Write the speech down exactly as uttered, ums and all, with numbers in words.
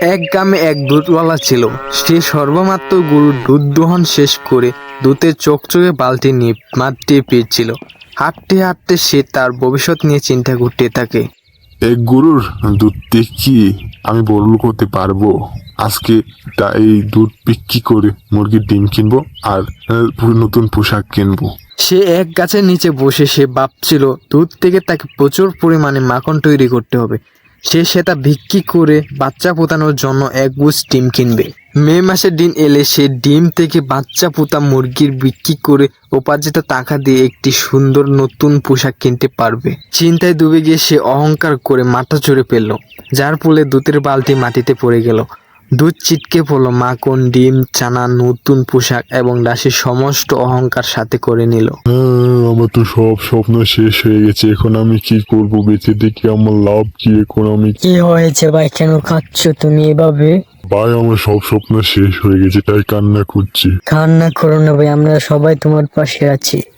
এক গ্রামে এক দুধওয়ালা ছিল। সে সর্বমাত্র গরুর দুধ দোহন শেষ করে দুধের চকচকে বালতি নিয়ে মাঠ দিয়ে ফিরছিল। হাঁটতে হাঁটতে সে তার ভবিষ্যৎ নিয়ে চিন্তা করতে থাকে। এক গরুর দুধ দিয়ে কি আমি বড়লোক হতে পারবো? আজকে তা এই দুধ বিক্রি করে মুরগির ডিম কিনবো আর আহ, নতুন পোশাক কিনবো। সে এক গাছের নিচে বসে সে ভাবছিল দুধ থেকে তাকে প্রচুর পরিমাণে মাখন তৈরি করতে হবে। সে সেটা বিক্রি করে বাচ্চা ফোটানোর জন্য এক গুছ ডিম কিনবে। মে মাসের দিন এলে সে ডিম থেকে বাচ্চা পোতা মুরগির বিক্রি করে উপার্জিত টাকা দিয়ে একটি সুন্দর নতুন পোশাক কিনতে পারবে। চিন্তায় ডুবে গিয়ে সে অহংকার করে মাথা চড়ে ফেলল, যার ফলে দুধের বালতি মাটিতে পড়ে গেল। দুধ ছিটকে পড়ল, মাখন, ডিম, ছানা, নতুন পোশাক এবং দাসীর সমস্ত অহংকার সাথে করে নিল। আহ, আমার তো সব স্বপ্ন শেষ হয়ে গেছে। এখন আমি কি করবো? বেঁচে দেখি আমার লাভ কি? এখন আমি কি হয়েছে ভাই, কেন কাঁদছো তুমি এভাবে? ভাই, আমার সব স্বপ্ন শেষ হয়ে গেছে, তাই কান্না করছি। কান্না করো না ভাই, আমরা সবাই তোমার পাশে আছি।